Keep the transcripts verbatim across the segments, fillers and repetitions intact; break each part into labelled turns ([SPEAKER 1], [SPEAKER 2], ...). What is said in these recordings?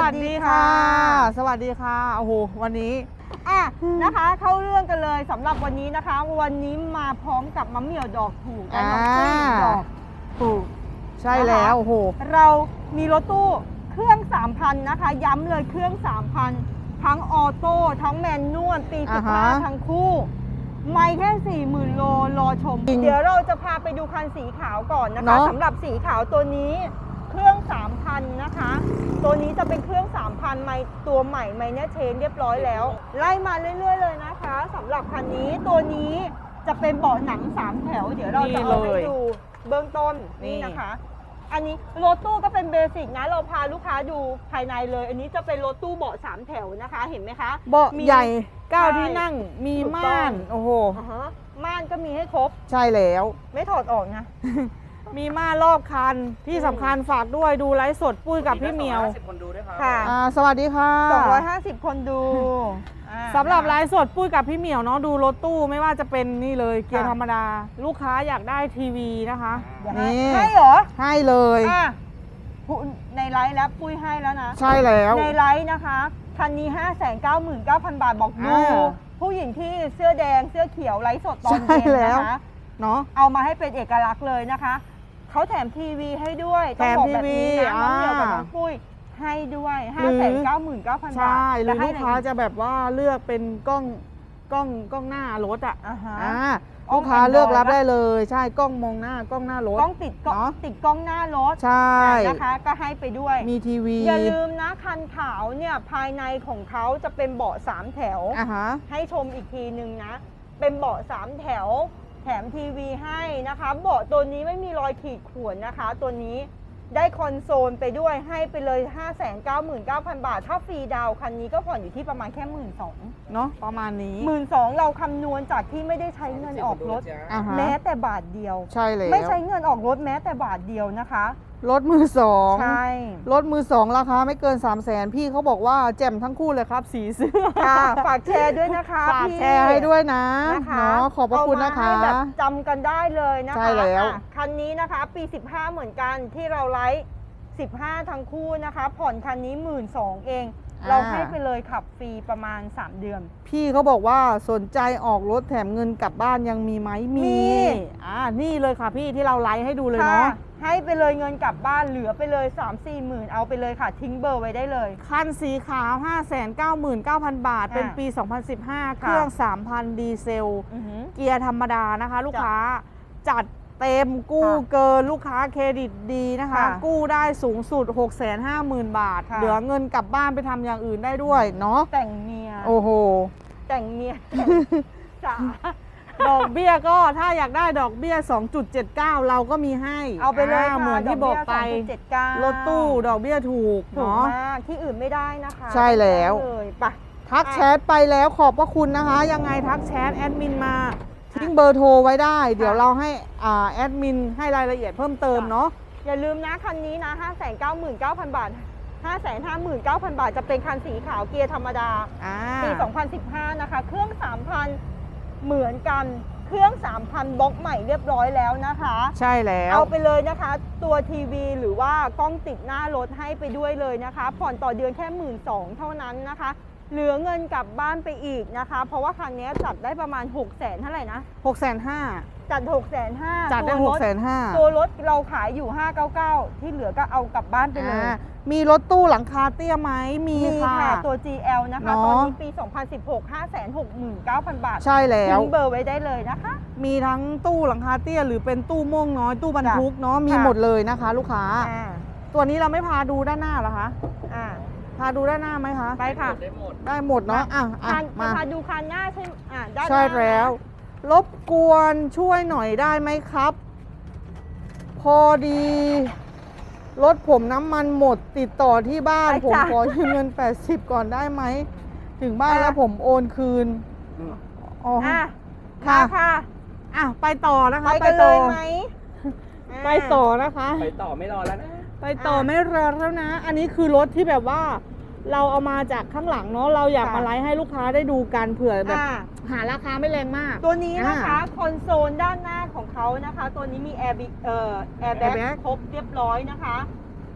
[SPEAKER 1] วัสดีค่ะสวัสดีค่ะโอ้โหวันนี้
[SPEAKER 2] อ่ะนะคะเข้าเรื่องกันเลยสำหรับวันนี้นะคะวันนี้มาพร้อมกับมะเหมี่ยวดอกถูกและน้องกุ้งดอกถูก
[SPEAKER 1] ใช่แล้วโอ้โห
[SPEAKER 2] เรามีรถตู้เครื่อง สามพัน นะคะย้ำเลยเครื่อง สามพัน ทั้งออโต้ทั้งแมนนวลปีสิบห้าทั้งคู่ไม่แค่ สี่หมื่น โลรอชมเดี๋ยวเราจะพาไปดูคันสีขาวก่อนนะคะสำหรับสีขาวตัวนี้เครื่อง สามพัน นะคะตัวนี้จะเป็นเครื่อง สามพัน ไมตัวใหม่ไมเนอร์เชนเรียบร้อยแล้วไล่มาเรื่อยๆเลยนะคะสำหรับคันนี้ตัวนี้จะเป็นเบาะหนังสามแถวเดี๋ยวเราจะเอาให้ดูเบื้องต้นนี่นะคะอันนี้รถตู้ก็เป็นเบสิกนะเราพาลูกค้าดูภายในเลยอันนี้จะเป็นรถตู้เบาะสามแถวนะคะเห็นไหมคะ
[SPEAKER 1] เบาะใหญ่เก้าที่นั่งมีม่านโอ้โห
[SPEAKER 2] ม่านก็มีให้ครบ
[SPEAKER 1] ใช่แล้ว
[SPEAKER 2] ไม่ถอดออกนะ
[SPEAKER 1] มีม่านรอบคันที่สำคัญฝากด้วยดูไลฟ์สดปุ้ยกับพี่เหมียว
[SPEAKER 3] คนดูด้วยครับ
[SPEAKER 1] ค่ะสวัสดีค่ะ
[SPEAKER 2] สองร้อยห้าสิบคนดู
[SPEAKER 1] สำหรับไลฟ์สดปุ้ยกับพี่เหมียวเนาะดูรถตู้ไม่ว่าจะเป็นนี่เลยเกียร์ธรรมดาลูกค้าอยากได้ทีวีนะคะ
[SPEAKER 2] นี่ให้เหรอ
[SPEAKER 1] ให้เลย
[SPEAKER 2] ในไลฟ์แล้วปุ้ยให้แล้วนะ
[SPEAKER 1] ใช่แล้ว
[SPEAKER 2] ในไลฟ์นะคะคันนี้ ห้าแสนเก้าหมื่นเก้าพัน บาทบอกดูผู้หญิงที่เสื้อแดงเสื้อเขียวไลฟ์สดตอนเย็นนะคะ
[SPEAKER 1] เนาะ
[SPEAKER 2] เอามาให้เป็นเอกลักษณ์เลยนะคะเขาแถมทีวีให้ด้วย
[SPEAKER 1] แถมทีวี
[SPEAKER 2] น้องเหมียวกับน้องปุ้ยให้ด้วย ห้าแสนเก้าหมื่นเก้าพัน บาท
[SPEAKER 1] ใช่หรือลูกค้าจะแบบว่าเลือกเป็นกล้องกล้องกล้องหน้ารถอ่ะลูกค้าเลือกรับได้เลยใช่กล้องมองหน้ากล้องหน้ารถ
[SPEAKER 2] กล้องติดกล้องติดกล้องหน้ารถ
[SPEAKER 1] ใช่
[SPEAKER 2] นะคะก็ให้ไปด้วย
[SPEAKER 1] มีทีวี
[SPEAKER 2] อย่าลืมนะคันขาวเนี่ยภายในของเขาจะเป็นเบาะสามแถวให้ชมอีกทีนึงนะเป็นเบาะสามแถวแถมทีวีให้นะคะเบาะตัวนี้ไม่มีรอยขีดข่วนนะคะตัวนี้ได้คอนโซลไปด้วยให้ไปเลย ห้าแสนเก้าหมื่นเก้าพัน บาทถ้าฟรีดาวคันนี้ก็ผ่อนอยู่ที่ประมาณแค่ หนึ่งหมื่นสองพัน
[SPEAKER 1] เนาะประมาณนี้
[SPEAKER 2] หนึ่งหมื่นสองพัน เราคำนวณจากที่ไม่ได้ใช้เงินออกรถแม้แต่บาทเดียว
[SPEAKER 1] ใช่เลย
[SPEAKER 2] ไม่ใช้เงินออกรถแม้แต่บาทเดียวนะคะ
[SPEAKER 1] รถมือสอง
[SPEAKER 2] ใช่
[SPEAKER 1] รถมือสองราคาไม่เกิน สามแสน พี่เขาบอกว่าแจ่มทั้งคู่เลยครับสีเสื้อ
[SPEAKER 2] ค่ะฝากแชร์ด้วยนะคะ
[SPEAKER 1] ฝากแชร์ให้ด้วยนะเนาะขอบพระคุณนะคะ
[SPEAKER 2] แบบจำกันได้เลยนะคะ
[SPEAKER 1] ใช่แล้ว
[SPEAKER 2] คันนี้นะคะปีสิบห้าเหมือนกันที่เราไลฟ์สิบห้าทั้งคู่นะคะผ่อนคันนี้ หนึ่งหมื่นสองพัน เองเราให้ไปเลยขับฟรีประมาณสามเดือน
[SPEAKER 1] พี่เขาบอกว่าสนใจออกรถแถมเงินกลับบ้านยังมีไหมมีอ่านี่เลยค่ะพี่ที่เราไลฟ์ให้ดูเลยเนาะ
[SPEAKER 2] ให้ไปเลยเงินกลับบ้านเหลือไปเลย สามสี่หมื่นเอาไปเลยค่ะทิ้งเบอร์ไว้ได้เลย
[SPEAKER 1] คันสีขาว ห้าแสนเก้าหมื่นเก้าพัน บาทเป็นปีสองพันสิบห้าเครื่อง สามพัน ดีเซลเกียร์ธรรมดานะคะลูกค้าจัดเต็มกู้เกินลูกค้าเครดิตดีนะคะกู้ได้สูงสุด หกแสนห้าหมื่น บาทเหลือเงินกลับบ้านไปทำอย่างอื่นได้ด้วยเนาะ
[SPEAKER 2] แต่งเมีย
[SPEAKER 1] โอ้โห
[SPEAKER 2] แต่งเมียจ๋า
[SPEAKER 1] ดอกเบี้ยก็ถ้าอยากได้ดอกเบี้ย สองจุดเจ็ดเก้า เราก็มีให้
[SPEAKER 2] เอาไปเลย
[SPEAKER 1] เหมือนที่บอกไปรถตู้ดอกเบี้ยถูก
[SPEAKER 2] เนาะที่อื่นไม่ได้นะคะ
[SPEAKER 1] ใช่แล้ว
[SPEAKER 2] ไป
[SPEAKER 1] ทักแชทไปแล้วขอบพระคุณนะคะยังไงทักแชทแอดมินมาทิ้งเบอร์โทรไว้ได้เดี๋ยวเราให้แอดมินให้รายละเอียดเพิ่มเติมเนาะ
[SPEAKER 2] อย่าลืมนะคันนี้นะ ห้าแสนเก้าหมื่นเก้าพัน บาท ห้าแสนห้าหมื่นเก้าพัน บาทจะเป็นคันสีขาวเกียร์ธรรมดาปีสองพันสิบห้านะคะเครื่อง สามพัน เหมือนกันเครื่อง สามพัน บล็อกใหม่เรียบร้อยแล้วนะคะ
[SPEAKER 1] ใช่แล้ว
[SPEAKER 2] เอาไปเลยนะคะตัวทีวีหรือว่ากล้องติดหน้ารถให้ไปด้วยเลยนะคะผ่อนต่อเดือนแค่ หนึ่งหมื่นสองพัน เท่านั้นนะคะเหลือเงินกลับบ้านไปอีกนะคะเพราะว่าคันนี้จัดได้ประมาณ หกแสน เท่าไหร่นะ
[SPEAKER 1] หกแสนห้า
[SPEAKER 2] จัด หกแสนห้า
[SPEAKER 1] จัดได้ หกแสนห้า
[SPEAKER 2] ตัวรถเราขายอยู่ห้าร้อยเก้าสิบเก้าที่เหลือก็เอากลับบ้านไปเลย
[SPEAKER 1] มีรถตู้หลังคาเตี้ยไหมมี
[SPEAKER 2] ค่ะตัว จี แอล นะคะตอนนี้ปีสองพันสิบหก ห้าแสนหกหมื่นเก้าพัน บาท
[SPEAKER 1] ใช่แล้ว
[SPEAKER 2] ทิ้งเบอร์ไว้ได้เลยนะคะ
[SPEAKER 1] มีทั้งตู้หลังคาเตี้ยหรือเป็นตู้ม่วงน้อยตู้บรรทุกเนาะมีหมดเลยนะคะลูกค้าตัวนี้เราไม่พาดูด้านหน้าหรอคะพาดูด้านหน้าไหมคะ
[SPEAKER 2] ไปค่ะ
[SPEAKER 1] ได้หมดได้หมดเนาะอ่ะ
[SPEAKER 2] มาพาดูคันหน้าใช่อ่า
[SPEAKER 1] ใช่แล้วรบกวนช่วยหน่อยได้ไหมครับพอดีรถผมน้ำมันหมดติดต่อที่บ้านผมขอยืมเงินแปดสิบก่อนได้ไหมถึงบ้านแล้วผมโอนคืน
[SPEAKER 2] อ๋อค่ะค่ะ
[SPEAKER 1] อ่ะไปต่อนะคะ
[SPEAKER 2] ไปกันเลยไหม
[SPEAKER 1] ไปต่อนะคะ
[SPEAKER 3] ไปต่อไม่รอแล้วนะ
[SPEAKER 1] ไปต่อไม่รอแล้วนะอันนี้คือรถที่แบบว่าเราเอามาจากข้างหลังเนาะเราอยากมาไลฟ์ให้ลูกค้าได้ดูกันเผื่อแบบหาราคาไม่แรงมาก
[SPEAKER 2] ตัวนี้นะคะคอนโซลด้านหน้าของเขานะคะตัวนี้มีแอร์บิ๊กเอ่อแอร์แบ็คครบเรียบร้อยนะคะ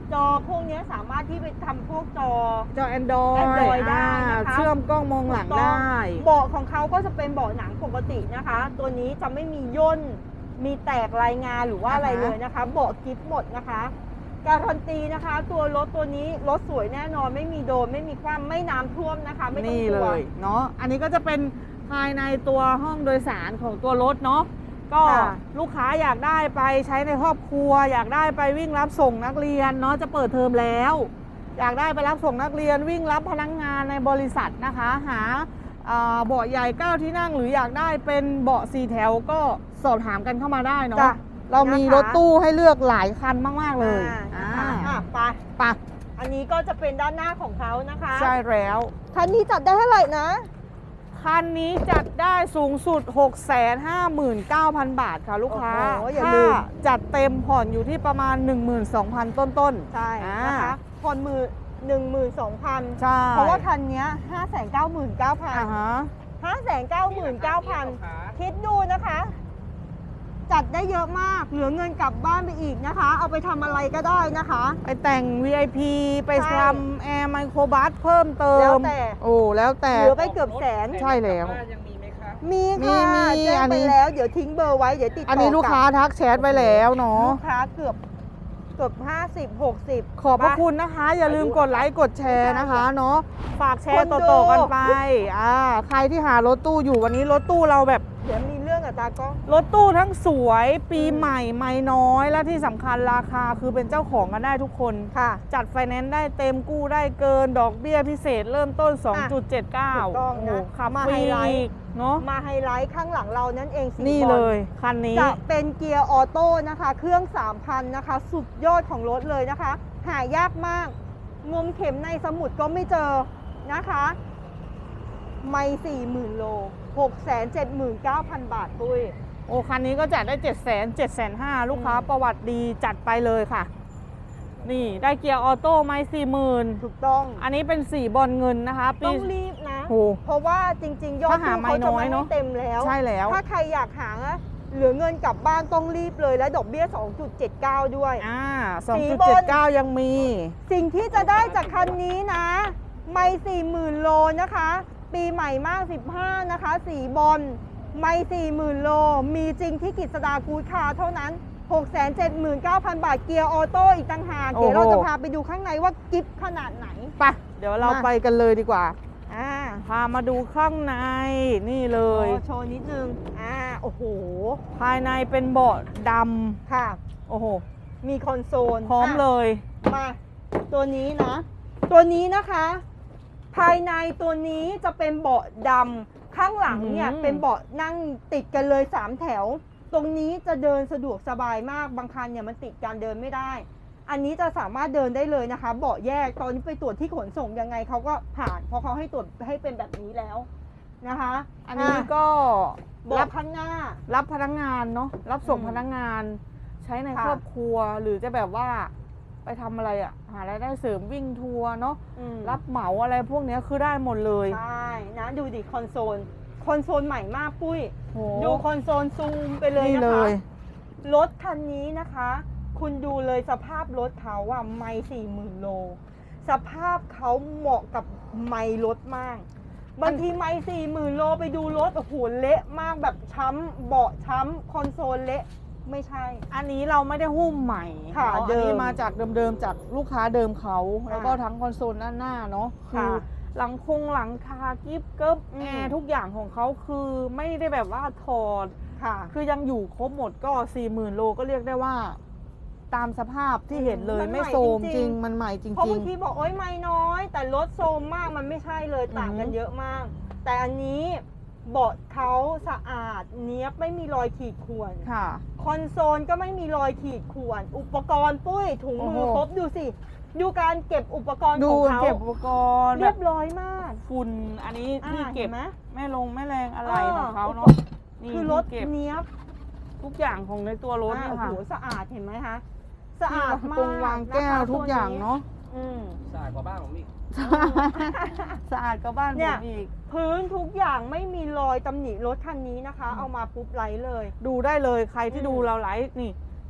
[SPEAKER 2] จอพวกเนี้ยสามารถที่ไปทำพวกจอ
[SPEAKER 1] จอ Android
[SPEAKER 2] Android ได้นะคะ
[SPEAKER 1] อ่าเชื่อมกล้องมองหลัง
[SPEAKER 2] ถูกต้
[SPEAKER 1] ได้
[SPEAKER 2] เบาะของเขาก็จะเป็นเบาะหนังปกตินะคะ ตัวนี้จะไม่มีย่นมีแตกรายงานหรือว่าอะไรเลยนะคะ เบาะกิฟหมดนะคะ การันตีนะคะ ตัวรถตัวนี้รถสวยแน่นอนไม่มีโดนไม่มีคว่ำไม่น้ำท่วมนะคะ ไม่ต้อง
[SPEAKER 1] นี่
[SPEAKER 2] ก
[SPEAKER 1] เล
[SPEAKER 2] ลัว
[SPEAKER 1] ยเนาะอันนี้ก็จะเป็นภายในตัวห้องโดยสารของตัวรถเนาะก็
[SPEAKER 2] ค่ะ
[SPEAKER 1] ลูกค้าอยากได้ไปใช้ในครอบครัว อยากได้ไปวิ่งรับส่งนักเรียนเนาะจะเปิดเทอมแล้ว อยากได้ไปรับส่งนักเรียนวิ่งรับพนักงานในบริษัทนะคะ หาอ่าเบาะใหญ่เก้าที่นั่งหรืออยากได้เป็นเบาะสี่แถวก็สอบถามกันเข้ามาได้เนาะ
[SPEAKER 2] จ้ะ
[SPEAKER 1] เรามี
[SPEAKER 2] นะคะ
[SPEAKER 1] รถตู้ให้เลือกหลายคันมากๆเลย
[SPEAKER 2] อ่านะคะ
[SPEAKER 1] อ่า
[SPEAKER 2] อ่ะไป
[SPEAKER 1] ไป
[SPEAKER 2] อันนี้ก็จะเป็นด้านหน้าของเขานะคะ
[SPEAKER 1] ใช่แล้ว
[SPEAKER 2] คันนี้จัดได้เท่าไหร่นะ
[SPEAKER 1] คันนี้จัดได้สูงสุด หกแสนห้าหมื่นเก้าพัน บาทค่ะลูกค้า
[SPEAKER 2] โอ้โหอย่า
[SPEAKER 1] ถ้า
[SPEAKER 2] ลืม
[SPEAKER 1] จัดเต็มผ่อนอยู่ที่ประมาณ หนึ่งหมื่นสองพัน ต้น
[SPEAKER 2] ใช่
[SPEAKER 1] อ่า
[SPEAKER 2] นะคะผ่อนมือหนึ่งหมื่นสองพัน
[SPEAKER 1] ๆ ใช่
[SPEAKER 2] เพราะว่าคันเนี้ยห้าแสนเก้าหมื่นเก้าพัน
[SPEAKER 1] อ่าฮะ
[SPEAKER 2] ห้าแสนเก้าหมื่นเก้าพันคิดดูนะคะ จัดได้เยอะมาก เหลือเงินกลับบ้านไปอีกนะคะ เอาไปทำอะไรก็ได้นะคะ
[SPEAKER 1] ไปแต่ง วี ไอ พี ไป
[SPEAKER 2] ใช่
[SPEAKER 1] ทำแอร์ไมโครบัสเพิ่มเติม
[SPEAKER 2] แล้วแต่
[SPEAKER 1] โอ้แล้วแต่
[SPEAKER 2] เหลือไปเกือบแสน
[SPEAKER 1] ใช่แล้ว
[SPEAKER 3] ยังมีไหมครับ
[SPEAKER 2] มีค่ะ
[SPEAKER 1] มีมี
[SPEAKER 2] แจ้ง
[SPEAKER 1] อัน
[SPEAKER 2] ไป
[SPEAKER 1] นี้
[SPEAKER 2] แล้วเดี๋ยวทิ้งเบอร์ไว้เดี๋ยวติดต่อ
[SPEAKER 1] อันนี้ลูกค้าทักแชทไว้แล้วเนาะ
[SPEAKER 2] ลูกค้าเกือบเกือบห้าสิบหกสิบ
[SPEAKER 1] ขอบพระคุณนะคะ อย่าลืมกดไลค์กดแชร์นะคะเนาะฝากแชร์ต่อๆกันไปอ่าใครที่หารถตู้อยู่วันนี้รถตู้เราแบบ
[SPEAKER 2] เดี๋ยวมีเรื่องกับตากล้อง
[SPEAKER 1] รถตู้ทั้งสวยปีใหม่ไม่น้อย และที่สำคัญราคาคือเป็นเจ้าของกันได้ทุกคน
[SPEAKER 2] ค่ะ
[SPEAKER 1] จัดไฟแนนซ์ได้เต็มกู้ได้เกินดอกเบี้ยพิเศษเริ่มต้น สองจุดเจ็ดเก้า
[SPEAKER 2] ถูกต้องนะ
[SPEAKER 1] โโหขับ
[SPEAKER 2] มา
[SPEAKER 1] ฟรี
[SPEAKER 2] ไฮไลท์
[SPEAKER 1] อีกเนาะ
[SPEAKER 2] มาไฮไลท์ข้างหลังเรานั่นเองสี
[SPEAKER 1] นี่
[SPEAKER 2] บอ
[SPEAKER 1] เลย คันนี้
[SPEAKER 2] จะเป็นเกียร์ออโต้นะคะ เครื่อง สามพัน นะคะ สุดยอดของรถเลยนะคะ หายากมาก งมเข็มในสมุดก็ไม่เจอนะคะ ไม่สี่หมื่นโลหกแสนเจ็ดหมื่นเก้าพัน บาทปุ้ย
[SPEAKER 1] โอ้คันนี้ก็จัดได้เจ็ดแสนเจ็ดแสนห้าลูกค้า
[SPEAKER 2] อืม
[SPEAKER 1] ประวัติดีจัดไปเลยค่ะ นี่ได้เกียร์ออโต้ไม่สี่หมื่น
[SPEAKER 2] ถูกต้อง
[SPEAKER 1] อันนี้เป็นสีบอลเงินนะคะปี
[SPEAKER 2] ต้องรีบนะ
[SPEAKER 1] โอ้
[SPEAKER 2] เพราะว่าจริง ๆ ยอด
[SPEAKER 1] ถ้าหา
[SPEAKER 2] ตู้
[SPEAKER 1] ไม่
[SPEAKER 2] เขาจะ
[SPEAKER 1] น้อย
[SPEAKER 2] ไม่
[SPEAKER 1] เนอะ
[SPEAKER 2] ให้เต็มแล้ว
[SPEAKER 1] ใช่แล้ว
[SPEAKER 2] ถ้าใครอยากหาเหลือเงินกลับบ้านต้องรีบเลยและดอกเบี้ย สองจุดเจ็ดเก้า ด้วย
[SPEAKER 1] อ่า
[SPEAKER 2] สี
[SPEAKER 1] สองจุด
[SPEAKER 2] บอ
[SPEAKER 1] เจ็ด
[SPEAKER 2] ล
[SPEAKER 1] เก้า ยังมี
[SPEAKER 2] สิ่งที่จะได้จากคันนี้นะ ไม่สี่หมื่นโลนะคะ ปีใหม่มากสิบห้านะคะ สีบอลไม่สี่หมื่นโล มีจริงที่กิจสดากู๊ดคาร์เท่านั้น หกแสนเจ็ดหมื่นเก้าพัน บาท เกียร์ออโต้อีกต่างหาก
[SPEAKER 1] โอ้โห
[SPEAKER 2] เดี๋ยวเราจะพาไปดูข้างในว่ากิฟขนาดไหน
[SPEAKER 1] ไปเดี๋ยวเรา
[SPEAKER 2] มา
[SPEAKER 1] ไปกันเลยดีกว่า
[SPEAKER 2] อ่า
[SPEAKER 1] พามาดูข้างในนี่เลย
[SPEAKER 2] โอ้โชว์นิดนึง อ่า โอ้โห
[SPEAKER 1] ภายในเป็นเบาะด
[SPEAKER 2] ค่ะ
[SPEAKER 1] ำโอ้โห
[SPEAKER 2] มีคอนโซล
[SPEAKER 1] พร้อมเลย
[SPEAKER 2] มา ตัวนี้นะ ตัวนี้นะคะ ภายในตัวนี้จะเป็นเบาะดำข้างหลังเนี่ย
[SPEAKER 1] อืม
[SPEAKER 2] เป็นเบาะนั่งติดกันเลยสามแถว ตรงนี้จะเดินสะดวกสบายมากบางคันเนี่ยมันติดการเดินไม่ได้ อันนี้จะสามารถเดินได้เลยนะคะ เบาะแยกตอนนี้ไปตรวจที่ขนส่งยังไงเขาก็ผ่านเพราะเขาให้ตรวจให้เป็นแบบนี้แล้วนะคะ
[SPEAKER 1] อันนี้
[SPEAKER 2] ะ
[SPEAKER 1] ก็
[SPEAKER 2] เบาะ
[SPEAKER 1] รับ
[SPEAKER 2] ข้างหน้า
[SPEAKER 1] รับพนักงานเนาะรับส่ง
[SPEAKER 2] อืม
[SPEAKER 1] พนักงาน ใช้ใน
[SPEAKER 2] ค่ะ
[SPEAKER 1] ครอบครัวหรือจะแบบว่า ไปทำอะไรอะหารายได้เสริมวิ่งทัวร์เนาะ
[SPEAKER 2] อืม
[SPEAKER 1] รับเหมาอะไรพวกเนี้ยคือได้หมดเลย
[SPEAKER 2] ใช่นะดูดิคอนโซลคอนโซลใหม่มากปุ้ย
[SPEAKER 1] โห
[SPEAKER 2] ดูคอนโซลซูมไปเลย
[SPEAKER 1] นี่
[SPEAKER 2] นะ
[SPEAKER 1] เล
[SPEAKER 2] คะ
[SPEAKER 1] ย
[SPEAKER 2] รถคันนี้นะคะ คุณดูเลยสภาพรถเขาอะไม่สี่หมื่นโล สภาพเขาเหมาะกับไม่รถมาก บางทีไม่สี่หมื่นโลไปดูรถโอ้โหเละมากแบบช้ำเบาะช้ำคอนโซลเละไม่ใช่
[SPEAKER 1] อันนี้เราไม่ได้หุ้มใหม่
[SPEAKER 2] ค่ะ
[SPEAKER 1] เนาะ
[SPEAKER 2] เดิ
[SPEAKER 1] อัน
[SPEAKER 2] ม
[SPEAKER 1] นี้มาจากเดิมๆจากลูกค้าเดิมเขา
[SPEAKER 2] อ่า
[SPEAKER 1] แล้วก็ทั้งคอนโซลด้านหน้าเนาะคื
[SPEAKER 2] ค่ะ
[SPEAKER 1] อหลังคงหลังคากิฟต์เกิบ
[SPEAKER 2] อืม
[SPEAKER 1] แอร์ทุกอย่างของเขาคือไม่ได้แบบว่าถอด
[SPEAKER 2] ค่ะ
[SPEAKER 1] คือยังอยู่ครบหมดก็สี่หมื่นโลก็เรียกได้ว่า ตามสภาพที่เห็นเลย
[SPEAKER 2] มันใหม่
[SPEAKER 1] ไม่โซม
[SPEAKER 2] จริงๆ
[SPEAKER 1] จริงมันใหม่จ
[SPEAKER 2] เพราะ
[SPEAKER 1] ริ
[SPEAKER 2] บาง งทีบอกโอ๊ยไม่น้อย แต่รถโซมมากมันไม่ใช่เลยต่างกัน
[SPEAKER 1] อืม
[SPEAKER 2] เยอะมาก แต่อันนี้เบาะเขาสะอาดเนี้ยบไม่มีรอยขีดข่วน
[SPEAKER 1] ๆ ค่ะ
[SPEAKER 2] คอนโซลก็ไม่มีรอยขีดข่วน อุปกรณ์ปุ้ยถุงมือ
[SPEAKER 1] โอ้โห
[SPEAKER 2] ครบดูสิ ดูการเก็บอุปกรณ์
[SPEAKER 1] ดู
[SPEAKER 2] ของเขา
[SPEAKER 1] เก็บอุปกรณ์
[SPEAKER 2] เรี
[SPEAKER 1] แบ
[SPEAKER 2] ย
[SPEAKER 1] บบ
[SPEAKER 2] ร้อยมาก
[SPEAKER 1] ฝุ่นอันนี้ที่
[SPEAKER 2] อ่า
[SPEAKER 1] เก็บ
[SPEAKER 2] ห็นไหม
[SPEAKER 1] แม่ลงแม่แรงอะไร
[SPEAKER 2] เออ
[SPEAKER 1] ของเขาเนาะนี่
[SPEAKER 2] คือรถ
[SPEAKER 1] ที่เก็บ
[SPEAKER 2] เนี้ยบ
[SPEAKER 1] ทุกอย่างของในตัวรถ
[SPEAKER 2] อ่า
[SPEAKER 1] เนี่ย
[SPEAKER 2] โอ้
[SPEAKER 1] ค่ะ
[SPEAKER 2] โหสะอาดเห็นไหมคะสะอาดมาก
[SPEAKER 1] ตรงวางแก้ว
[SPEAKER 2] นะคะ
[SPEAKER 1] ทุกอย่างเนาะ
[SPEAKER 2] อืม
[SPEAKER 3] สะอาดกว่าบ้านผมอีก
[SPEAKER 1] สะอาดก็บ้าน
[SPEAKER 2] เนี่
[SPEAKER 1] ผ
[SPEAKER 2] ย
[SPEAKER 1] มอีก
[SPEAKER 2] พื้นทุกอย่างไม่มีรอยตำหนิรถคันนี้นะคะ เอามาปุ๊บไลท์เลย
[SPEAKER 1] ดูได้เลยใครที่
[SPEAKER 2] อืม
[SPEAKER 1] ดูเราไลฟ์นี่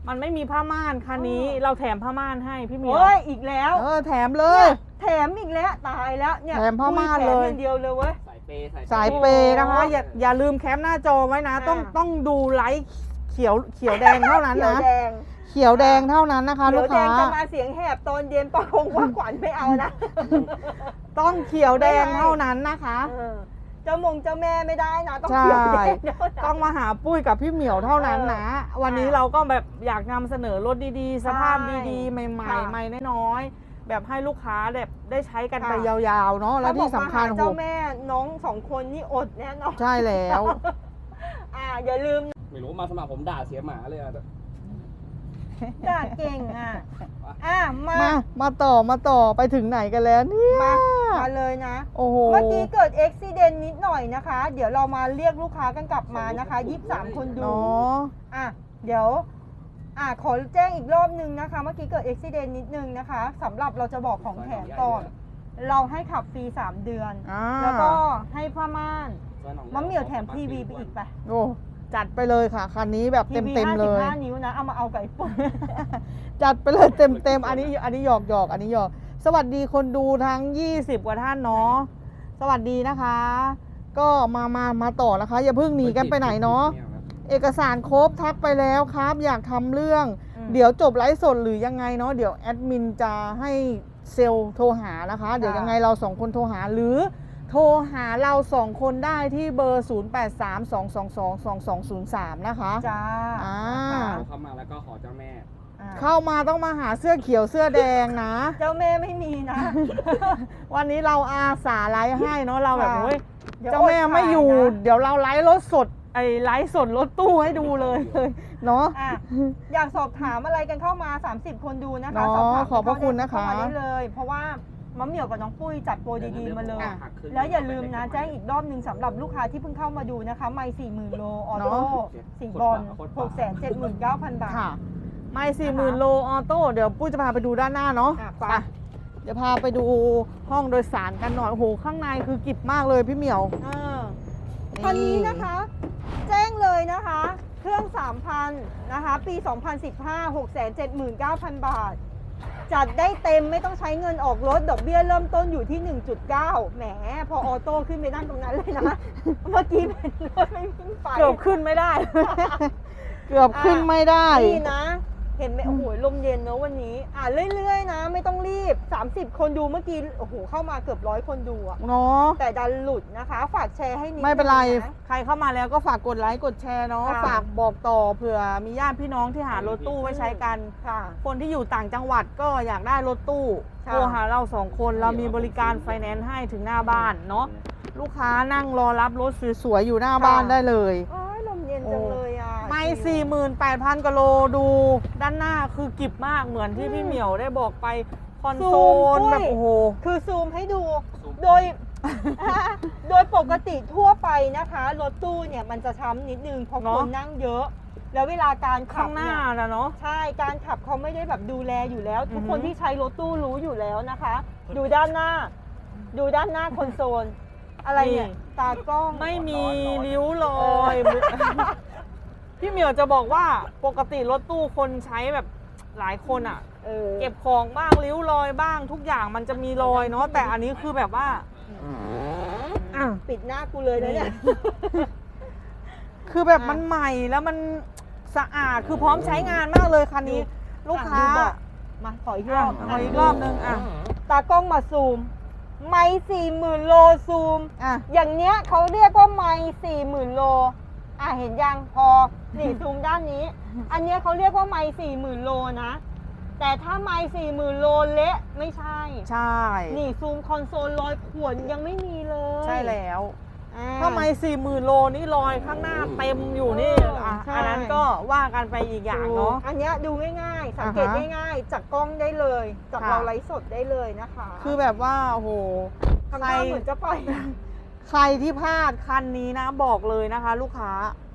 [SPEAKER 1] มันไม่มีผ้าม่านคันนี้
[SPEAKER 2] เออ
[SPEAKER 1] เราแถมผ้าม่านให้พี่เหมียว
[SPEAKER 2] โอ้ยอีกแล้ว
[SPEAKER 1] เออแถมเลย
[SPEAKER 2] แถมอีกแล้วตายแล้วเนี่ย
[SPEAKER 1] แถมผ้าม่าน
[SPEAKER 2] แถ
[SPEAKER 1] เลย
[SPEAKER 2] อย่างเดียวเลยเว้ย
[SPEAKER 3] สายเปย์
[SPEAKER 1] สายเปย์นะคะ
[SPEAKER 2] โอ้ย
[SPEAKER 1] อย่าอย่าลืมแคปหน้าจอไว้นะ ต้อง
[SPEAKER 2] อ่า
[SPEAKER 1] ต้องดูไลท์เขียวเขียวแดงเท่านั้น
[SPEAKER 2] เขียว
[SPEAKER 1] นะ
[SPEAKER 2] แดง
[SPEAKER 1] เขียวแดงเท่านั้นนะคะ
[SPEAKER 2] เขี
[SPEAKER 1] ลู
[SPEAKER 2] ยว
[SPEAKER 1] ก
[SPEAKER 2] แด
[SPEAKER 1] ค้า
[SPEAKER 2] งจะมาเสียงแหบตอนเย็นประคงว่าขวัญไม่เอานะ
[SPEAKER 1] ต้องเขียวแดงเท่านั้นนะคะ
[SPEAKER 2] เออเจ้ามงเจ้าแม่ไม่ได้นะ ต้อง
[SPEAKER 1] ใช่
[SPEAKER 2] เขียวแดงเท่านั้น
[SPEAKER 1] ต้องมาหาปุ้ยกับพี่เหมียวเท่านั้นนะ วันนี้
[SPEAKER 2] อ่า
[SPEAKER 1] เราก็แบบอยากนำเสนอรถดีๆ สภาพดีๆ ใหม่
[SPEAKER 2] ค่ะ
[SPEAKER 1] ๆใหม่น้อยๆแบบให้ลูกค้าแบบได้ใช้กัน
[SPEAKER 2] ค่ะ
[SPEAKER 1] ไปยาวๆเนาะแล้วที่สำคัญ
[SPEAKER 2] ถ้าบอกมาหา
[SPEAKER 1] โห
[SPEAKER 2] เจ้าแม่น้องสองคนนี่อดแน่นอน
[SPEAKER 1] ใช่แล้ว
[SPEAKER 2] อ่าอย่าลืม
[SPEAKER 3] ไม่รู้มาสมัครผมด่าเสียหมาเลยอะ
[SPEAKER 2] ด่าเก่งอ่ะอ่ะมา
[SPEAKER 1] มา มาต่อมาต่อไปถึงไหนกันแล้วเนี่ย
[SPEAKER 2] มามาเลยนะ
[SPEAKER 1] โอ้โห
[SPEAKER 2] เมื่อกี้เกิดอุบิเหตุนิดหน่อยนะคะ เดี๋ยวเรามาเรียกลูกค้ากันกลับมานะคะยี่สิบสามคนดู
[SPEAKER 1] เนาะ
[SPEAKER 2] อ่ะเดี๋ยวอ่ะขอแจ้งอีกรอบนึงนะคะ เมื่อกี้เกิดอุบิเหตุนิดนึงนะคะสำหรับเราจะบอกของแถมก่อน เราให้ขับฟรีสามเดือน
[SPEAKER 1] อ่า
[SPEAKER 2] แล้วก็ให้ผ้าม่านมะเหมี่ยวแถมทีวีไปอีกไป
[SPEAKER 1] โอ้จัดไปเลยค่ะ คันนี้แบบ
[SPEAKER 2] ทีวี
[SPEAKER 1] เต็ม
[SPEAKER 2] ห้า
[SPEAKER 1] ๆเล
[SPEAKER 2] สิบ
[SPEAKER 1] ย
[SPEAKER 2] ห้านิ้วนะ เอามาเอาไก่ปุ่น
[SPEAKER 1] จัดไปเลยเต็มเต็มๆอันนี้อันนี้หยอกหยอกอันนี้หยอก สวัสดีคนดูทั้งยี่สิบกว่าท่านเนาะสวัสดีนะคะ ก็มามามาต่อนะคะ อย่าเพิ่งหนีกันไปไหนเนาะเอกสารครบทักไปแล้วครับ อยากทำเรื่อง
[SPEAKER 2] อืม
[SPEAKER 1] เดี๋ยวจบไลฟ์สดหรือยังไงเนาะเดี๋ยวแอดมินจะให้เซลล์โทรหานะคะ เดี๋ยวยังไงเราสองคนโทรหาหรือโทรหาเราสองคนได้ที่เบอร์ ศูนย์ แปด สาม สอง สอง สอง สอง สอง ศูนย์ สาม นะคะ
[SPEAKER 2] จ้า
[SPEAKER 1] อ่า
[SPEAKER 3] เข้ามาแล้วก็ขอเจ้าแม่
[SPEAKER 2] อ่า
[SPEAKER 1] เข้ามาต้องมาหาเสื้อเขียวเสื้อแดงนะ
[SPEAKER 2] เจ้าแม่ไม่มีนะ
[SPEAKER 1] วันนี้เราอาสาไลฟ์ให้เนาะเราแบบ
[SPEAKER 2] ค่ะ
[SPEAKER 1] เฮ้ย
[SPEAKER 2] ดี๋ยว
[SPEAKER 1] เจ้าแม่
[SPEAKER 2] ดขย
[SPEAKER 1] ไม่อยู่
[SPEAKER 2] นะ
[SPEAKER 1] เดี๋ยวเราไลฟ์รถสดไอ้ไลฟ์สดรถตู้ให้ดูเลยเลยเนาะ
[SPEAKER 2] อ่ะอยากสอบถามอะไรกันเข้ามา สามสิบ คนดูนะคะ
[SPEAKER 1] เนาะ
[SPEAKER 2] สอบถาม
[SPEAKER 1] ขอบพระคุณนะคะ
[SPEAKER 2] เข้ามาได้เลย เพราะว่ามะเหมี่ยวกับน้องปุ้ยจัดโปรดีๆมาเลย
[SPEAKER 3] อ่ะ
[SPEAKER 2] แล้วอย่าลืมนะแจ้งอีกรอบหนึ่งสำหรับลูกค้าที่เพิ่งเข้ามาดูนะคะ ไม่สี่หมื่นโลออโต้สีบอลหกแสนเจ็ดหมื่นเก้าพันบาท
[SPEAKER 1] ค่ะ ไม่สี่หมื่นโลออโต้เดี๋ยวปุ้ยจะพาไปดูด้านหน้าเนาะ
[SPEAKER 2] อ่ะไป
[SPEAKER 1] ไปเดี๋ยวพาไปดูห้องโดยสารกันหน่อยโอ้โหข้างในคือกิบมากเลยพี่เหมียว
[SPEAKER 2] เออคันนี้นะคะ แจ้งเลยนะคะ เครื่อง สามพัน นะคะ ปี สองพันสิบห้า หกแสนเจ็ดหมื่นเก้าพัน บาท จัดได้เต็มไม่ต้องใช้เงินออกรถ ดอกเบี้ยเริ่มต้นอยู่ที่ หนึ่งจุดเก้า แหม พอออโต้ขึ้นไปนั่งตรงนั้นเลยนะ เมื่อกี้เป็นรถไม่วิ่งไป
[SPEAKER 1] เกือบขึ้นไม่ได้ เกือบขึ้นไม่ได้
[SPEAKER 2] นี่นะ เห็นไหมโอ้โหลมเย็นเนอะวันนี้ อ่าเรื่อยๆนะ ไม่ต้องรีบ สามสิบ คนดูเมื่อกี้ โอ้โห เข้ามาเกือบร้อยคนดูอะ
[SPEAKER 1] เนาะ
[SPEAKER 2] แต่ดันหลุดนะคะ ฝากแชร์ให้นิด
[SPEAKER 1] ไม่เป็นไร
[SPEAKER 2] งะ
[SPEAKER 1] ใครเข้ามาแล้วก็ฝากกดไลค์กดแชร์เนาะ
[SPEAKER 2] ค่ะ
[SPEAKER 1] ฝากบอกต่อเผื่อมีญาติพี่น้องที่หารถตู้ไว้ใช้กัน
[SPEAKER 2] ค่ะ
[SPEAKER 1] คนที่อยู่ต่างจังหวัดก็อยากได้รถตู้
[SPEAKER 2] ค่ะ
[SPEAKER 1] โทรหาเราสองคนเรามีบริการไฟแนนซ์ให้ถึงหน้าบ้านเนาะลูกค้านั่งรอรับรถสวยๆอยู่หน้าบ้านได้เลย
[SPEAKER 2] โอ้ยลมเย็นจังเลยอ่ะ
[SPEAKER 1] ไม่สี่หมื่นแปดพันกิโลดูด้านหน้าคือกิบมากเหมือนที่พี่เหมียวได้บอกไปคอนโซลแบบโอ้โห
[SPEAKER 2] คือซูมให้ดู โดย โดยปกติทั่วไปนะคะ รถตู้เนี่ยมันจะช้ำนิดนึงเพราะ
[SPEAKER 1] เน
[SPEAKER 2] ค
[SPEAKER 1] อะ
[SPEAKER 2] นนั่งเยอะ แล้วเวลาการขั
[SPEAKER 1] ข้า
[SPEAKER 2] บ
[SPEAKER 1] งหน้า
[SPEAKER 2] เนี่ย
[SPEAKER 1] นะเนาะ
[SPEAKER 2] ใช่ การขับเขาไม่ได้แบบดูแลอยู่แล้ว ทุกคน
[SPEAKER 1] อือฮึ
[SPEAKER 2] ที่ใช้รถตู้รู้อยู่แล้วนะคะ ดูด้านหน้า ดูด้านหน้าคอนโซล อะไรเนี่ย ตากล้อง
[SPEAKER 1] ไม่มีริ้วรอย พี่เหมียวจะบอกว่าปกติรถตู้คนใช้แบบหลายคนอ่ะ
[SPEAKER 2] เออ
[SPEAKER 1] เก็บของบ้างริ้วรอยบ้างทุกอย่างมันจะมีรอยเนาะแต่อันนี้คือแบบว่าอ่ะ
[SPEAKER 2] ปิดหน้ากูเลยนะเนี่ย
[SPEAKER 1] คือแบบ
[SPEAKER 2] อ่ะ
[SPEAKER 1] มันใหม่แล้วมันสะอาดคือพร้อมใช้งานมากเลยคันนี้ ลูกค้า
[SPEAKER 2] อ่ะดูบอกมาขออีกร
[SPEAKER 1] อ่ะ
[SPEAKER 2] อบ
[SPEAKER 1] ขออีกรอบนึงอ่ะ
[SPEAKER 2] ตากล้องมาซูม ไม่สี่หมื่นโลซูม
[SPEAKER 1] อ่ะ
[SPEAKER 2] อย่างเนี้ยเขาเรียกว่าไม่สี่หมื่นโล อ่ะเห็นยังพอนี่ซูมด้านนี้ อันเนี้ยเขาเรียกว่าไม่สี่หมื่นโลนะ แต่ถ้าไม่สี่หมื่นโลเละไม่ใช่
[SPEAKER 1] ใช่
[SPEAKER 2] นี่ซูมคอนโซลรอยข่วนยังไม่มีเลย
[SPEAKER 1] ใช่แล้ว
[SPEAKER 2] อ่า
[SPEAKER 1] ถ้าไม่สี่หมื่นโลนี่รอยข้างหน้าเต็มอยู่นี่
[SPEAKER 2] เอออ่
[SPEAKER 1] ะ
[SPEAKER 2] ใช่
[SPEAKER 1] อันนั้นก็ว่ากันไปอีกอย่างเนาะ
[SPEAKER 2] อันเนี้ยดูง่ายๆ สังเกต
[SPEAKER 1] อ่าฮะ
[SPEAKER 2] ง่ายๆ จากกล้องได้เลย จาก
[SPEAKER 1] ค่ะ
[SPEAKER 2] เราไลฟ์สดได้เลยนะคะ
[SPEAKER 1] คือแบบว่าโอ้โห
[SPEAKER 2] ทำหน้าเหมือนจะปล่อย
[SPEAKER 1] ใครที่พลาดคันนี้นะบอกเลยนะคะ ลูกค้า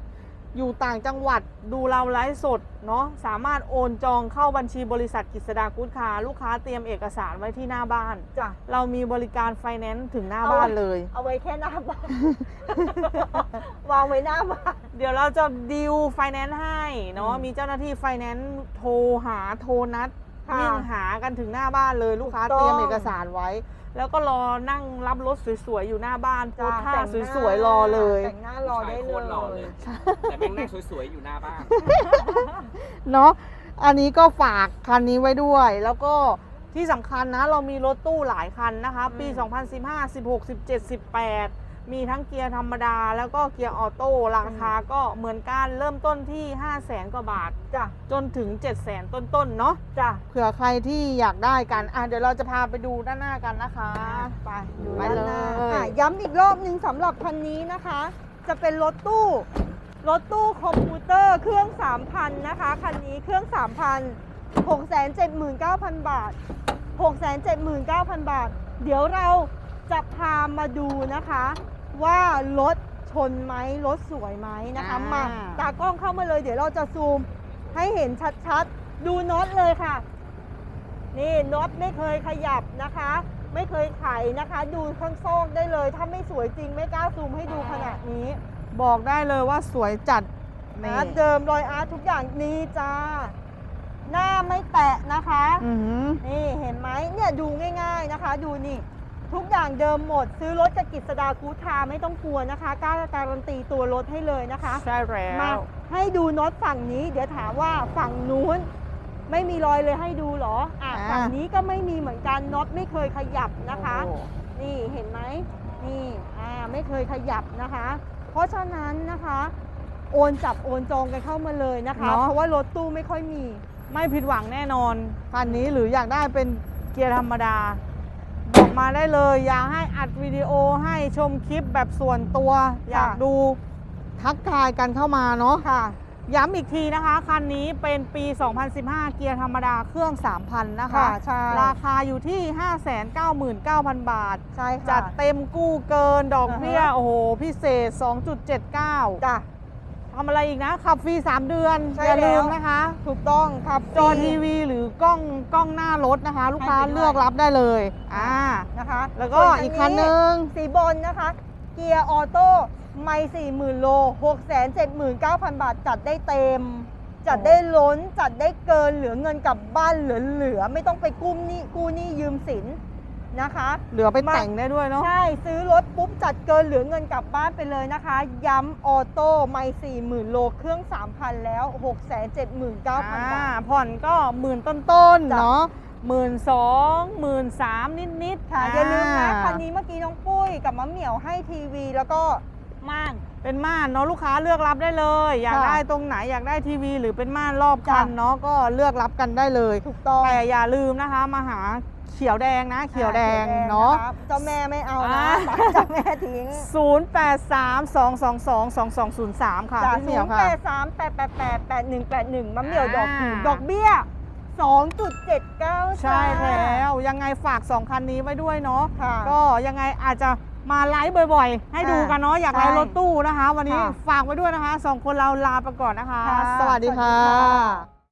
[SPEAKER 1] อยู่ต่างจังหวัดดูเราไลฟ์สดเนาะสามารถโอนจองเข้าบัญชีบริษัทกฤษดากู๊ดคาร์ลูกค้าเตรียมเอกสารไว้ที่หน้าบ้าน
[SPEAKER 2] จ้ะ
[SPEAKER 1] เรามีบริการไฟแนนซ์ถึงหน้า
[SPEAKER 2] เอา
[SPEAKER 1] บ้านเลย
[SPEAKER 2] เอาไว้แค่หน้าบ้าน วางไว้หน้าบ้าน
[SPEAKER 1] เดี๋ยวเราจะดีลไฟแนนซ์ให้เนาะ
[SPEAKER 2] อืม
[SPEAKER 1] มีเจ้าหน้าที่ไฟแนนซ์โทรหาโทรนัด
[SPEAKER 2] ค่ะ
[SPEAKER 1] วิ่งหากันถึงหน้าบ้านเลยลูกค้า
[SPEAKER 2] ถูกต้อง
[SPEAKER 1] เตรียมเอกสารไว้ แล้วก็รอนั่งรับรถสวยๆอยู่หน้าบ้านโพสท่า
[SPEAKER 2] แต่งหน้
[SPEAKER 1] สวยๆรอเลย
[SPEAKER 2] แต่งหน้ารอได้
[SPEAKER 3] โคตรหล่อ
[SPEAKER 2] เล
[SPEAKER 3] เลย ย แต่แม่งนั่งสวยๆอยู่หน้าบ้าน
[SPEAKER 1] เนาะอันนี้ก็ฝากคันนี้ไว้ด้วย แล้วก็ที่สำคัญนะเรามีรถตู้หลายคันนะคะ ปี
[SPEAKER 2] อืม
[SPEAKER 1] สองพันสิบห้า สิบหก สิบเจ็ด สิบแปด มีทั้งเกียร์ธรรมดา แล้วก็เกียร์ออโต้ราคาก็เหมือนกันเริ่มต้นที่ ห้าแสน กว่าบาท
[SPEAKER 2] จ้ะ
[SPEAKER 1] จนถึง เจ็ดแสน ต้นๆเนาะ
[SPEAKER 2] จ้ะ
[SPEAKER 1] เผื่อใครที่อยากได้กันอ่ะเดี๋ยวเราจะพาไปดูด้านหน้ากันนะคะ
[SPEAKER 2] ไปดู
[SPEAKER 1] ไป
[SPEAKER 2] ด้านหน้า
[SPEAKER 1] เลย
[SPEAKER 2] อ่ะย้ำอีกรอบหนึงสำหรับคันนี้นะคะ จะเป็นรถตู้ รถตู้คอมพิวเตอร์เครื่อง สามพัน นะคะ คันนี้เครื่อง สามพัน หกแสนเจ็ดหมื่นเก้าพัน บาท หกแสนเจ็ดหมื่นเก้าพัน บาท เดี๋ยวเราจะพามาดูนะคะ ว่ารถชนไหมรถสวยไหมนะคะ
[SPEAKER 1] อ่าม
[SPEAKER 2] มาตากล้องเข้ามาเลย เดี๋ยวเราจะซูมให้เห็นชัดๆ ดูน็อตเลยค่ะ นี่น็อตไม่เคยขยับนะคะ ไม่เคยไขนะคะ ดูข้างซอกได้เลย ถ้าไม่สวยจริงไม่กล้าซูมให้ดูขนาดนี้
[SPEAKER 1] บอกได้เลยว่าสวยจัด
[SPEAKER 2] อาร์ตเดิมรอยอาร์ตทุกอย่างนี่จ้า หน้าไม่แตะนะคะ
[SPEAKER 1] อือหือ
[SPEAKER 2] นี่เห็นไหมเนี่ยดูง่ายๆนะคะ ดูนี่ ทุกอย่างเดิมหมด ซื้อรถจากกฤษดากู๊ดคาร์ไม่ต้องกลัวนะคะกล้าการันตีตัวรถให้เลยนะคะ
[SPEAKER 1] ใช่แล้
[SPEAKER 2] มาว ให้ดูน็อตฝั่งนี้ เดี๋ยวถามว่าฝั่งนู้น ไม่มีรอยเลยให้ดูเหรออ่ะ
[SPEAKER 1] อ่า
[SPEAKER 2] ฝั่งนี้ก็ไม่มีเหมือนกันน็อตไม่เคยขยับนะคะ
[SPEAKER 1] โอ้โห
[SPEAKER 2] นี่เห็นไหมนี่อ่าไม่เคยขยับนะคะ เพราะฉะนั้นนะคะ โอนจับโอนจองกันเข้ามาเลยนะคะ
[SPEAKER 1] เนาะ
[SPEAKER 2] เพราะว่ารถตู้ไม่ค่อยมี
[SPEAKER 1] ไม่ผิดหวังแน่นอนคันนี้หรืออยากได้เป็นเกียร์ธรรมดา บอกมาได้เลย อยากให้อัดวิดีโอให้ชมคลิปแบบส่วนตัว อยากดูทักทายกันเข้ามาเนาะ
[SPEAKER 2] ค่ะ
[SPEAKER 1] ย้ำอีกทีนะคะ คันนี้เป็นปี สองพันสิบห้า เกียร์ธรรมดาเครื่อง สามพัน นะคะ
[SPEAKER 2] ค่ะใช่
[SPEAKER 1] ราคาอยู่ที่ ห้าแสนเก้าหมื่นเก้าพัน บาท
[SPEAKER 2] ใช่ค่ะ
[SPEAKER 1] จัดเต็มกู้เกินดอกเบี้ย
[SPEAKER 2] อ่าฮะ
[SPEAKER 1] โอ้โห พิเศษ สองจุดเจ็ดเก้า
[SPEAKER 2] จ้ะ
[SPEAKER 1] ทำอะไรอีกนะ ขับฟรี สาม เดือน
[SPEAKER 2] ใช่
[SPEAKER 1] อย่าลืม
[SPEAKER 2] แล้ว
[SPEAKER 1] นะคะ
[SPEAKER 2] ถูกต้องครับ
[SPEAKER 1] จอทีวีหรือกล้องกล้องหน้ารถนะคะ ลูกค้า
[SPEAKER 2] ให้ไปด้วย
[SPEAKER 1] เลือกรับได้เลยอ่า
[SPEAKER 2] นะคะ
[SPEAKER 1] แล้วก็
[SPEAKER 2] ส่น
[SPEAKER 1] อีกคันหนึ่ง
[SPEAKER 2] สีบอลนะคะ เกียร์ออโต้ไม่สี่หมื่นโลหกแสนเจ็ดหมื่นเก้าพัน บาท จัดได้เต็ม จัดได้ล้น จัดได้เกินเหลือเงินกลับบ้านเหลือๆไม่ต้องไปกู้หนี้กู้หนี้ยืมสินนะคะ
[SPEAKER 1] เหลือไปแต่งได้ด้วยเนาะ
[SPEAKER 2] ใช่ ซื้อรถปุ๊บ จัดเกินเหลือเงินกลับบ้านไปเลยนะคะ ย้ำออโต้ไม่สี่หมื่นโลเครื่อง สามพัน แล้ว หกแสนเจ็ดหมื่นเก้าพัน บาท
[SPEAKER 1] ผ่อนก็หมื่นต้น
[SPEAKER 2] จ้ะ
[SPEAKER 1] ๆเนาะหมื่นสองหมื่นสามนิดๆ
[SPEAKER 2] ค่ะอย่าลืมนะคันนี้เมื่อกี้น้องปุ้ยกับมะเหมี่ยวให้ทีวีแล้วก็ม่าน
[SPEAKER 1] เป็นม่านเนาะลูกค้าเลือกรับได้เลย อยาก
[SPEAKER 2] ค่ะ
[SPEAKER 1] ได้ตรงไหนอยากได้ทีวี หรือเป็นม่านรอบคัน
[SPEAKER 2] จ้ะ
[SPEAKER 1] เนาะก็เลือกรับกันได้เลย
[SPEAKER 2] ถูกต้อง
[SPEAKER 1] แต่อย่าลืมนะคะมาหาเขียวแดงนะเขียวแดง
[SPEAKER 2] อ่
[SPEAKER 1] เนาะ
[SPEAKER 2] คเจ้าแม่ไม่เอานะ
[SPEAKER 1] อ่า
[SPEAKER 2] เจ้าแม่ทิ้ง
[SPEAKER 1] ศูนย์ แปด สาม สอง สอง สอง สอง สอง ศูนย์ สาม ค่ะ
[SPEAKER 2] จาก
[SPEAKER 1] พี่เห
[SPEAKER 2] ศู
[SPEAKER 1] มียวน
[SPEAKER 2] ย์
[SPEAKER 1] ค่ะ
[SPEAKER 2] แปดสามแปดแปดแปดแปดหนึ่งแปดหนึ่งมะเหมี่ยวดอก
[SPEAKER 1] อ่า
[SPEAKER 2] ดอกเบี้ยสองจุดเจ็ดเก้า
[SPEAKER 1] ใช่แล้วยังไงฝากสองคันนี้ไว้ด้วยเนาะ
[SPEAKER 2] ค่ะ
[SPEAKER 1] ก็ยังไงอาจจะมาไลฟ์บ่อยๆ ให้ดูกันเนาะอยากไลฟ์
[SPEAKER 2] ใช่
[SPEAKER 1] รถตู้นะคะ วันนี้
[SPEAKER 2] ค่ะ
[SPEAKER 1] ฝากไว้ด้วยนะคะสองคนเราลาไปก่อนนะคะ
[SPEAKER 2] ค่ะ
[SPEAKER 1] สวัสดี
[SPEAKER 2] สวัสดี
[SPEAKER 1] ค่
[SPEAKER 2] ค่ะ
[SPEAKER 1] ะ